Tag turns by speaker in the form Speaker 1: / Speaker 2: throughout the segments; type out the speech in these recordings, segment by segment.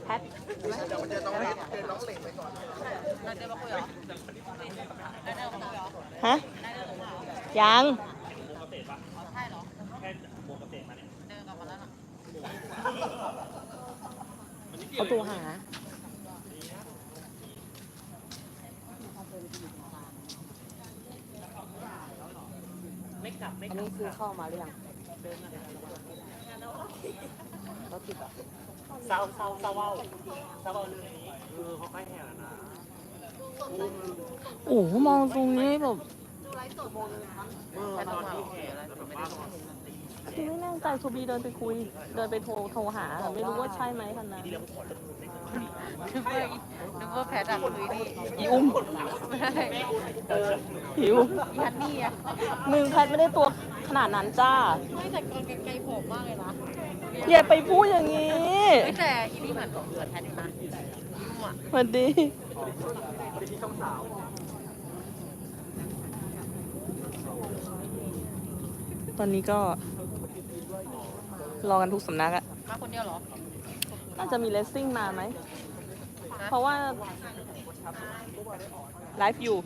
Speaker 1: แพทฮะยังเอาตัวหาอันนี้คือเข้ามาหรือยังเขาติดอ่ะ
Speaker 2: เศร้าเลยเขาใกล้แห่แล้วนะ
Speaker 1: โอ้มองตรงนี้แบบคือไม่แน่ใจทูบีเดินไปคุยเดินไปโทรหาไม่รู้ว่าใช่ไหมคันนั้น
Speaker 3: นึกว่าแพทอะคุยนี่
Speaker 1: อีอุ้มหิว
Speaker 3: ยันนี่อะ
Speaker 1: มึงแพทไม่ได้ตัวขนาดนั้นจ้า
Speaker 3: ไม่แต่ก่อนไกลๆผมมากเลยนะ
Speaker 1: อย่าไปพูดอย่างนี้
Speaker 3: แต่อีนี่เหมือนแพทอยู่นะ
Speaker 1: สวัสดีตอนนี้ก็รอกันทุกสำนักอะ
Speaker 3: มาคนเดียวเหรอ
Speaker 1: น่าจะมีเลสซิ่งมาไหมเพราะว่าไลฟ์อยู่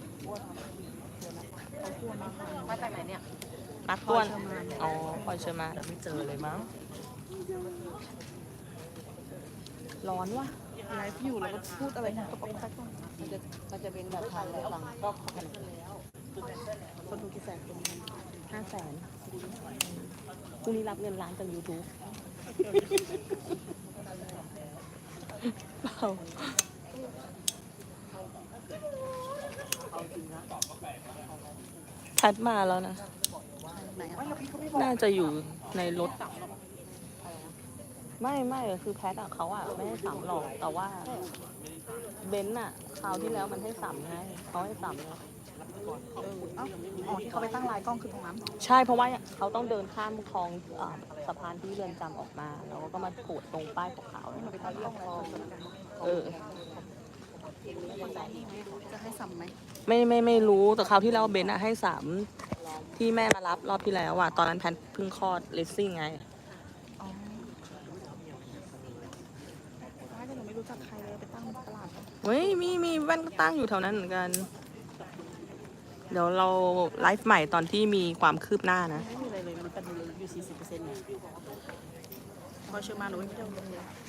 Speaker 3: มาจากไหนเนี่ย
Speaker 1: นักต้วนอ๋อพลอยเชิญมา
Speaker 2: ไม่เจอเลยมั้ง
Speaker 1: ร้อนว่ะ
Speaker 3: ไลฟ์อยู่แล้วก็พูดอะไรนะก็ป๊อกแป๊กมันจะเป็นแบบทางแล้วฟังก็คนดูกี่แสน
Speaker 1: 500,000พรุ่งนี้รับเงินล้านจาก YouTube เปล่าแพทมาแล้วนะน่าจะอยู่ในรถไม่คือแพทอะเขาอะไม่ให้สัมหรอกแต่ว่าเบนซ์อะคราวที่แล้วมันให้สัมไงเขาให้สัมแล้ว
Speaker 3: อ๋อที่เขาไปตั้งไลน์กล้องคือตรงนั้น
Speaker 1: ใช่เพราะว่าเขาต้องเดินข้ามคลองสะพานที่เรือนจำออกมาแล้วก็มาโผล่ตรงป้ายขาวๆ
Speaker 3: ไปตั้งกล้องแล้วจะให้สัมไหม
Speaker 1: ไม่รู้แต่คราวที่แล้วเบนซ์อะให้สัมที่แม่มารับรอบที่แล้วอะตอนนั้นแพทเพิ่งคลอดเลสซิ่งไง
Speaker 3: ไม่รู้จักใครเลยไปตั้งตลาด
Speaker 1: เฮ้ยมีแว่นก็ตั้งอยู่แถวนั้นเหมือนกันเดี๋ยวเราไลฟ์ใหม่ตอนที่มีความคืบหน้านะ
Speaker 3: ไม่มีอะไรเลยมันเป็นอยู่40%เนี่ยพอเชื่อมาหนูไม่ได้